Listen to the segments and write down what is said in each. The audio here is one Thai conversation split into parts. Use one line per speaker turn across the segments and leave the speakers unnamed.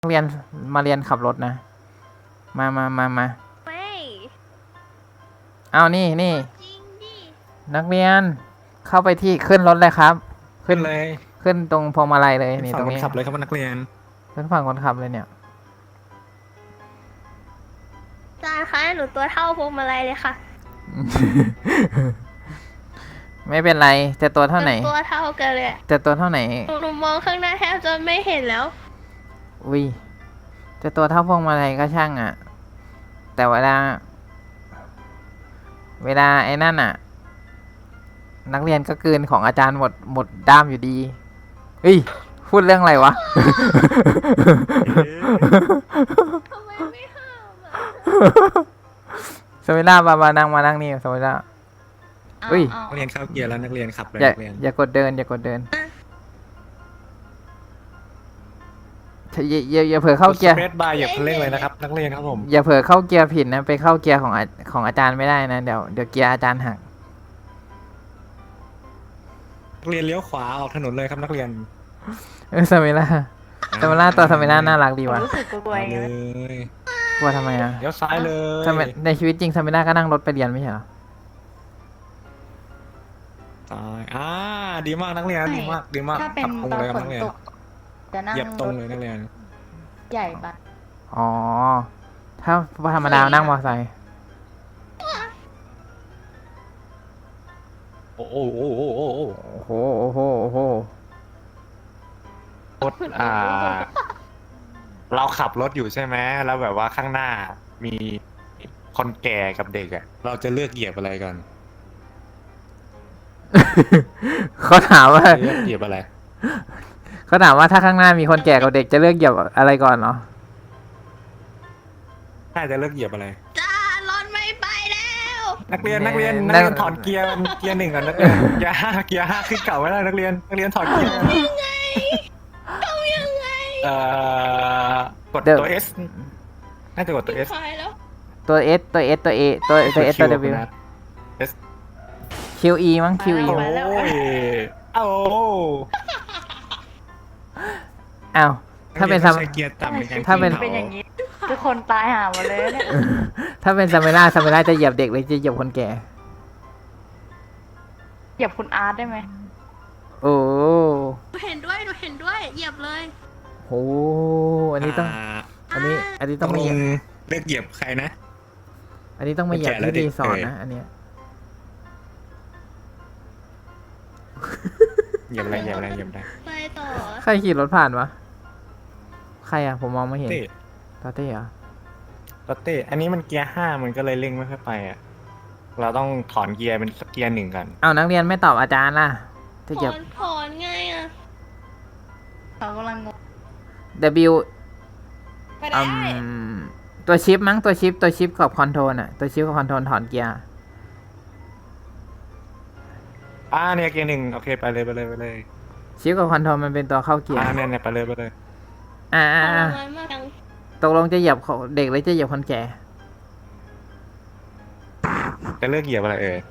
เรียนมาเรียนขับรถนะมา
ไม่
เอานี่
จริงดิ
นักเรียนเข้าไปที่ขึ้นรถเลยครับ
ขึ้นเลย
ขึ้นตรงพวงมาลัยเลย
ขึ้น
นี่
ฝั่
ตรง ง
คน
นี้
ขับเลยครับนักเรียน
ขึ้นฝั่งคนขับเลยเนี่ย
อาจารย์คะหนูตัวเท่าพวงมาลัยเลยค่ะ
ไม่เป็นไรจะตัวเท่าไหน
ตัวเท่ากันเลย
จะตัวเท่าไหน
หนูมองข้างหน้าแทบจะไม่เห็นแล้ว
อุ้ยจะตัวเท่าพวงมาลัยก็ช่างอ่ะ แต่เวลาไอ้นั่นอ่ะ นักเรียนก็กลืนของอาจารย์หมดด้ามอยู่ดีเฮ้ยพูดเรื่องอะไรวะ
ทำไมไม่ห้ามอ่ะ
สมิล่ามานั่งนี่สมิล่า อุ้ย
นักเรียนเข้าเกียร์แล้วนักเรียนขับเลย
อย่า
นักเรียน
อย่ากดเดินอย่าเผลอเข้าเกียร์
สเปซบาร์อย่าเพิ่งเร่งเลยนะครับนักเรียนครับผม
อย่าเผลอเข้าเกียร์ผิดนะไปเข้าเกียร์ของอาจารย์ไม่ได้นะเดี๋ยวเกียร์อาจารย์หัก
นักเรียนเลี้ยวขวาออกถนนเลยครับนักเรียน
สมิล่าตัวสมิล่าน่ารักดีว่ะ
รู้สึกกลัว
เอา
ๆ
เล
ไง
ย
กลัวทำไมอ่ะ
เลี้ยวซ้ายเลย
ในชีวิตจริงสมิล่าก็นั่งรถไปเรียนไม่ใช่เหรอ
ซ้ายดีมากนักเรียนดีมาก
ถ้าเป็น
ขับตรง
ตอน
เลยครับ
ฝน
นักเรียน
ตกจะนั่ง
เหยียบตรง
รถ
เลยนักเรียน
ใหญ่ปะ
อ๋อถ้าธรรมดานั่งมอเตอร์ไซค์
โอ้โห
โอ้โห
รถเราขับรถอยู่ใช่ไหมแล้วแบบว่าข้างหน้ามีคนแก่กับเด็กอ่ะเราจะเลือกเหยียบอะไรกัน
เขาถามว่า
เลือกเหยียบอะไร
ถ้าข้างหน้ามีคนแก่กับเด็กจะเลือกเหยียบอะไรก่อนเหรอ
น่าจะเลือกเหยียบอะไร
จ้ารถไม่ไปแล้ว
นักเรียนถอดเกียร์หนึ่งก่อนนักเรียนเกียร์ห้าขึ้นเก่าไม่ได้นักเรียนถอดเกียร์
ยังไง
กดตัว S น่าจะกดตัว S
คอยแล้ว
ตัว S ตัว S ตัว A ตัว S ตัว W
S
QE มั้ง QE
โอ้
มั้ง
ยโอ้
อ้าวถ้าเป็น
ใช้เกียร์ต่ำในการ
ถ้าเป็น
ขึ้
เป็นอย่างนี้ทุกคนตายหาหมดเลยเนี่ย
ถ้าเป็นซาเมล่าจะเหยียบเด็กหรือจะเหยียบคนแก่
เหยียบคุณอาร์ตได้ไหม
โอ้
หนูเห็นด้วยเหยียบเลย
โหอันนี้ต้องอันนี้
ต้
ต้
อ
อง งไม่เหยียบ
เลือกเหยียบใครนะ
อันนี้ต้องไม่เหยียบ
คนแก่และ
ที่
เด็ก
รีสอร์ทนะอันเนี้ย
เหยียบอะไร
ไปต่อ
ใครขี่รถผ่านวะใครอ่ะผมมองไม่เห็น
เต้
ตาเต้เหรอ
เต้อันนี้มันเกียร์ห้ามันก็เลยเร่งไม่ค่อยไปอ่ะเราต้องถอนเกียร์เป็นเกียร์หนึ่งกัน
เอานักเรียนไม่ตอบอาจารย์ล่ะจะเหยียบ
ถอนไงอ่ะ
เขากำลังงง
W
ไปได้
ตัวชิปมั้งตัวชิปกับคอนโทรลอ่ะตัวชิปกับคอนโทรลถอนเกียร์
เนี่ยเกียร์หนึ่งโอเคไปเลย
ชิปกับคอนโทรลมันเป็นตัวเข้าเกียร์
เนี่ยไปเลย
ทรมานมากจัง
ตกลงจะเหยียบเด็กหรือจะเหยียบคนแก่
จะเลือกเหยียบอะไรเอ่ย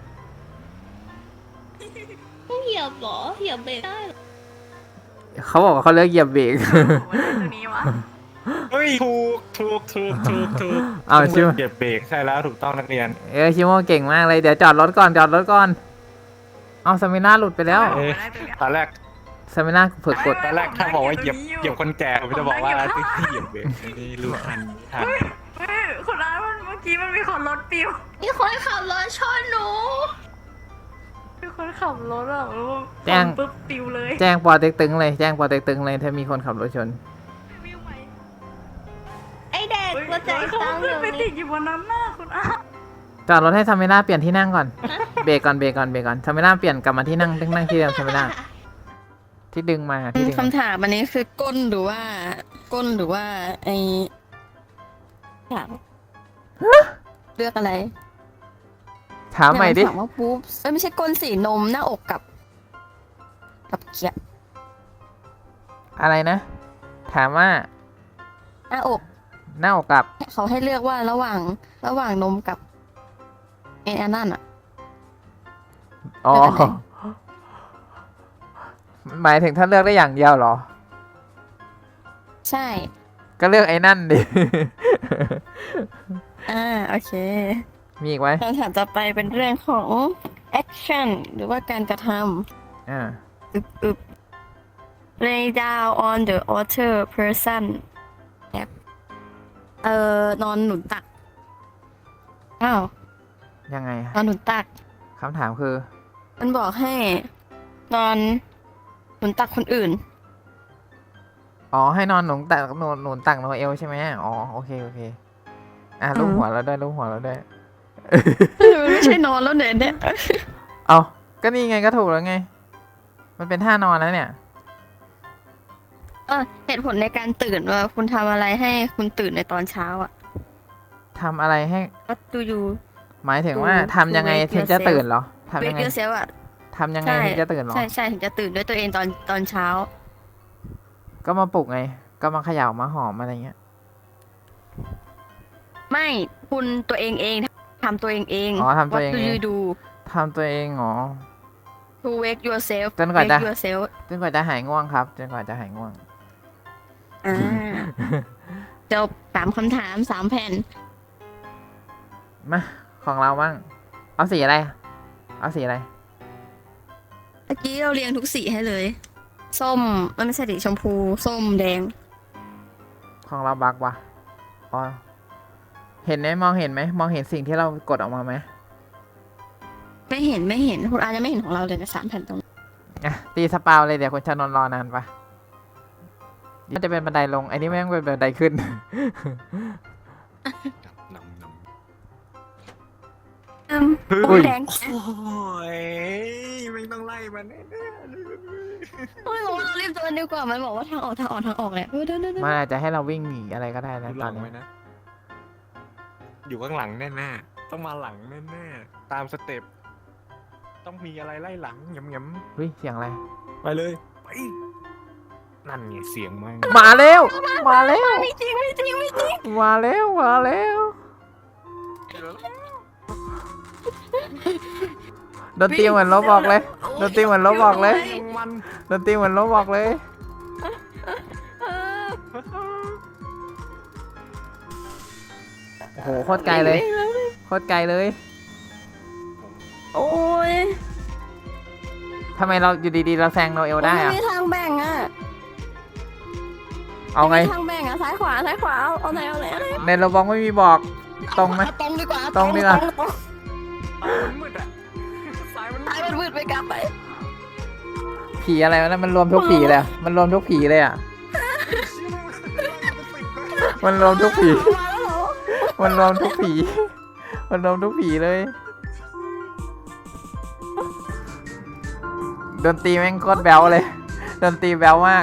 ต้องเหยียบเหรอเหยียบเบรกได้เหรอ
เขาบอกว่าเขาเลือกเหยียบเบรก
วันนี้ตัวนี้วะ
เฮ้ยถูก
เอาชิว
เหยียบเบรกใช่แล้วถูกต้องนักเรียน
ชิโมเก่งมากเลยเดี๋ยวจอดรถก่อนเอาซามิน่าหลุดไปแล้ว
ตอนแรก
ซามิน่าเผือกกด
ถ้าบอกว่าเหยียบคนแก่ผมจะบอกว่าที่เหยียบเบรกนี่รู้ทัน
เฮ้ยคุณอาร์ตเมื่อกี้มันมีคนรถปิว
มีคนขับรถชนหนู
มีคนขับรถอ่ะแล้ว
แจ้ง
ปุ๊บปิวเลย
แจ้งปอเต็กตึงเลยถ้ามีคนขับรถชน
ไม่ไหว
ไอเด็กหัวใจ
เขา
ตั้งอ
ขึ้น
ยู่
ไปติ
นี่
ดอยู่บนนั้นน่ะคุณอาร์ต
จอดรถให้ซามิน่าเปลี่ยนที่นั่งก่อนเบรกก่อนซามิน่าเปลี่ยนกลับมาที่นั่งที่เดิมซามิน่าที่ดึงมาที่ดึง
คำถามอันนี้คือก้นหรือว่าไอถามเลือกอะไร
ถามใหม่ดิ
ถามว่าปุ๊บไม่ใช่ก้นสีนมหน้าอกกับเกียร์
อะไรนะ ถามว่า
หน้าอก
หน้าอกกับ
เขาให้เลือกว่าระหว่างนมกับไอ้อันนั่นอ่ะ
อ๋อ
เลือกอันไหน
หมายถึงถ้าเลือกได้อย่างเดียวเหรอ
ใช่
ก็เลือกไอ้นั่นดิ
โอเค
มีอีกไหม
คำถามต่อไปเป็นเรื่องของ action หรือว่าการกระท
อ่า
ำอึบ lay down on the other person แบบนอนหนุนตัก อ้าว
ยังไง
นอนหนุนตัก
คำถามคือ
มันบอกให้นอนหนุนตักคนอื่น
อ๋อ ให้นอนหนุนตักหนุนตักโนเอลใช่ไหมอ๋อ โอเค โอเค อ่ะรูปหัวเราด้วยรูปหัวเราด้วย
มันไม่ใช่นอนแล้วเนี่ย
เอาก็นี่ไงก็ถูกแล้วไง มันเป็นท่านอนแล้วเนี่ย
เหตุผลในการตื่นว่าคุณทำอะไรให้คุณตื่นในตอนเช้าอ่ะ
ทำอะไรให้
What do you
หมายถึงว่า
to
ทำยังไง
wake
ถึงจะ
yourself
ตื่นเหรอทำยัง
wake
ไง
yourself อ่ะ
ทำยังไงถึงจะตื่นเหรอ
ใช่ถึงจะตื่นด้วยตัวเองตอนเช้า
ก็มาปลุกไง ก็มาเขย่ามาหอมอะไรเงี้ย
ไม่คุณตัวเองทำตัวเอง
อ๋อทำตัวเอง
What do
เอง
you do
ทำตัวเองเหรอ
to wake yourself
จนกว่าจะ
wake yourself
จนกว่าจะหายง่วงครับ จนกว่าจะหายง่วง
อ่าจบ3คำถาม3แผ่น
มา ของเราบ้าง เอาสีอะไร เอาสีอะไร
เมื่อกี้เราเรียงทุกสีให้เลย ส้มมันไม่ใช่ดิชมพู ส้มแดง
ของเราบักวะอ๋อ เห็นไหมมองเห็นไหม มองเห็นสิ่งที่เรากดออกมาไหม
ไม่เห็นคุณอาจจะไม่เห็นของเราเลยนะ3แผ่นตรงนี้
อ่ะ ตีสปาวเลยเดี๋ยวคุณชานนท์รอนานปะมันจะเป็นบันไดลง ไอ้นี่แม่งเป็นบันไดขึ้น
นำ
อุ้ย
แดง
โอ้ยไม่ต้องไล่มันแน่
โอ้ยบอกว่าเรารีบเดินดีกว่ามันบอกว่าทางออกแหละเดิน
มันอาจจะให้เราวิ่งหนีอะไรก็ได้
ๆ
นะ
ดู
ต
ห
อ
ลั
น
ง
นี้
ไว้นะ อยู่ข้างหลังแน่ๆต้องมาหลังแน่ๆตามสเต็ปต้องมีอะไรไล่หลังหยำ
เฮ้ย เสียงอะไร
ๆไปเลยไปนั่นไงเสียงมัน
มาแล้ว มาแล้ว
ไม่จริง
มาแล้ว มาแล้วดนตรีเหมือนลบบอกเลยดนตรีเหมือนลบบอกเลย
มัน
ดนตรีเหมือนลบบอกเลย โอ้โห โคตรไกลเลย โคตรไกลเลย
โอ้ย
ทำไมเราอยู่ดีๆ เราแซงโนเอลได้
ไม่
อะ
มีทางแบ่งอ่ะ
เอาไง
ม่มีทางแบ่งอ่ะซ้ายขวาเอาไหน
ในโรบอกไม่มีบอก ตรงไหม
ตรงดีกว่า
ตรงดีกว่า
มันมืดอ่ะสายมัน
ซ้ายมันมืดไปกลับไป
ผีอะไรวะนะมันรวมทุกผีเลยอะมันรวมทุกผีเลยอ่ะ มันรวมทุกผี มันรวมทุกผี มันรวมทุกผีเลย ดนตรีแม่งโคตรแบ๊วเลย ดนตรีแบ๊วมาก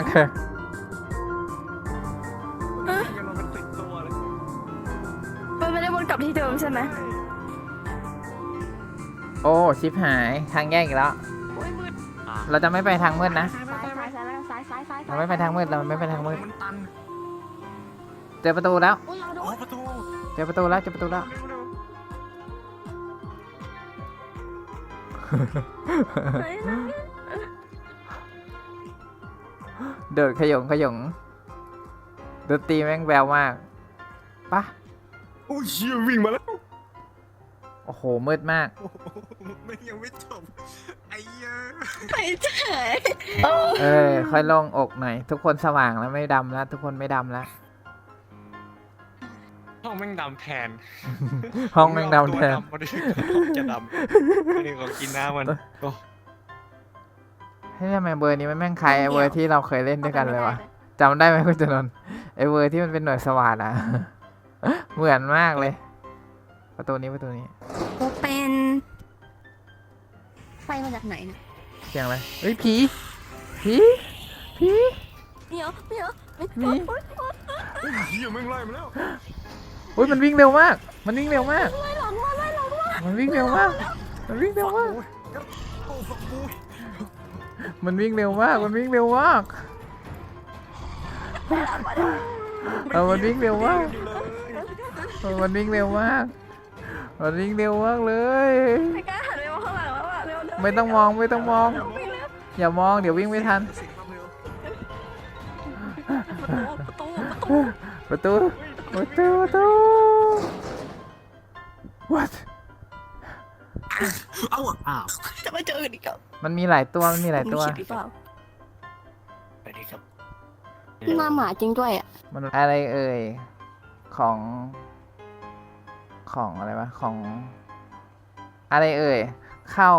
มันติดตัวเลย
มันไม่ได้วนกลับที่เดิมใช่ไหม
โอ้ ชิปหายทางแยกอีกแล้ว เราจะไม่ไปทางมืดนะ
ซ้าย
เราไม่ไปทางมืด เราไม่ไปทางมืด
มันตัน
เจอประตูแล้ว
อุ้ยเราโด
โอ้
น
ประตู
เจอประตูแล้ว เจอประตูแล้ว เดินขยงดนตรีแม่งแววมากปะ
โอ้ยเชี่ยวิ่งมาแล้ว
โอ้โห มืดมาก
โอ้โหไม่ยังไม่จบไอ้เหี้ย
ไปเฉย
ค่อยโล่งอกหน่อย ทุกคนสว่างแล้วไม่ดำแล้ว ทุกคนไม่ดำแล้ว
ห้องแม่งดำแทน
ห้องแม่งดำแทน
ตัวดำมาดิห้องจะดำไม่ได้ของกินน้ำมันโอ้
ให้ยทำไมเบอร์นี้มันแม่งคล้ายไอ้เบอร์ที่เราเคยเล่นด้วยกันเลยวะจำได้ไหมคุณจนนท์ไอ้เบอร์ที่มันเป็นหน่วยสวัสดอะ เหมือนมากเลย ประตูนี้
โอเป็นไฟมาจากไหนนะ
เสียงอะไรเฮ้ย ผี
เดี๋ยว
มี
เหี้ยแม่งไล่มาแล้ว
อุ้ยมันวิ่งเร็วมาก มันวิ่งเร็วมาก มันวิ่งเร็วมาก มันวิ่งเร็วมาก
โอ้ฝักบูย
มันวิ่งเร็วมาก มันวิ่งเร็วมาก มันวิ่งเร็วมาก มันวิ่งเร็วมาก มันวิ่งเร็วมากเลย
ไม่กล้าหันไปมองข้างหลังแล้วอ่ะเร็ว
ไม่ต้องมอง อย่ามอง เดี๋ยววิ่งไม่ทัน
ประตู
ประตูประตู what
เอ้าอ้าว
จะมาเจอกันอีกแล้ว
มันมีหลายตัวมันมีหลายตัว
คิดหรือเปล่า
ไปดีครับ
หน้าหมาจริงด้วยอ่ะ
มันอะไรเอ่ยของอะไรวะของอะไรเอ่ยเข้า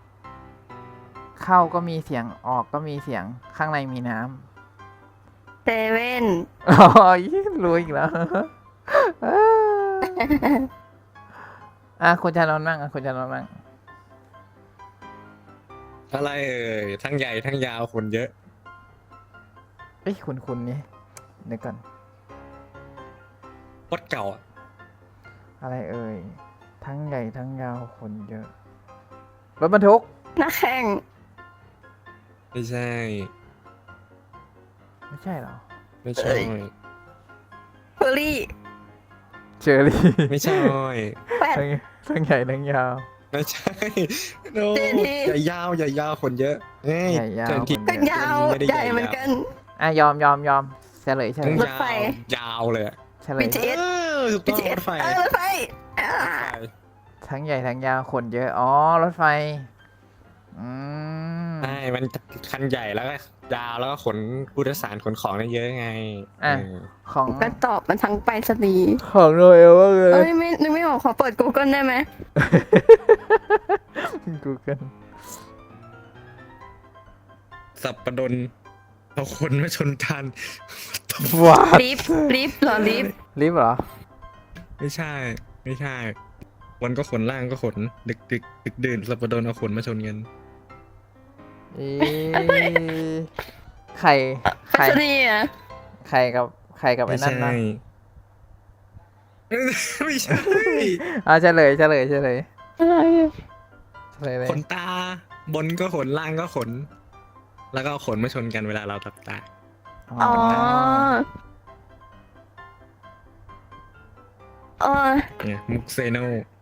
ก็มีเสียงออกก็มีเสียงข้างในมีน้ำ
เซเว่น
อ๋อรู้อีกแล้ว คุณจะนอนนั่งคุณจะนอนนั่ง
อะไรเอ่ยทั้งใหญ่ทั้งยาวคนเยอะ
เอ้ยคุณนี่เดี๋ยวก่อน
โคตรเก่าอะ
อะไรเอ่ยทั้งใหญ่ทั้งยาวคนเยอะรถบรรทุก
หน้าแข้ง
ไม่ใช่
ไม่ใช่เหรอ
ไม่ใช่
เฟอร์รี่
เชอรี่
ไม่ใช่
แปด
ทั้งใหญ่ทั้งยาว
ไม่ใช่โน
เจนนี่
ใหญ่ยาวใหญ่ยาวคนเยอะเฮ้ย
ใหญ่ยาว
เจนที่
คน
ก็
เยอะ
ยาว
ไม่ได้
ใหญ่เหมือนกัน
ยอมเฉลย
ทั้ง
รถไฟ
ยาวเลยอะ
เฉลย
BTS
ถูกต้องรถไฟ
รถไฟอ่า
ทั้งใหญ่ทั้งยาวคนเยอะอ๋อรถไฟอืม
ใช่มันคันใหญ่แล้วก็ยาวแล้วก็ขนผู้โดยสารขนของได้เยอะไง
อ่ะ
เออ
ของ
ก็ตอบมันทั้งไปรษณีย์
ของโรเอลว่าเล
เอ้
ย
ยไม่นึกไม่ออกขอเปิด Google ได้ไหม
Google
สับประดนเอาคนมาชนกัน
ว้า
ลิฟต์เหรอลิฟต์
ลิฟต์เหรอ
ไม่ใช่ ไม่ใช่ วันก็ขนล่างก็ขน ดึกดื่นสับประดนเอาขนมาชนกัน
อีไข่
ไปรษณีย์อ่ะ
ไข่กับไอ้
ไม่
นั่น
ใช่
นะ
ไม่ใช่
เฉลย
อะไรอะ
เฉลยเลย
ขนตา บนก็ขนล่างก็ขน แล้วก็เอาขนมาชนกันเวลาเราตับตา
อ๋อเออ
เนี่ยมุกเซโน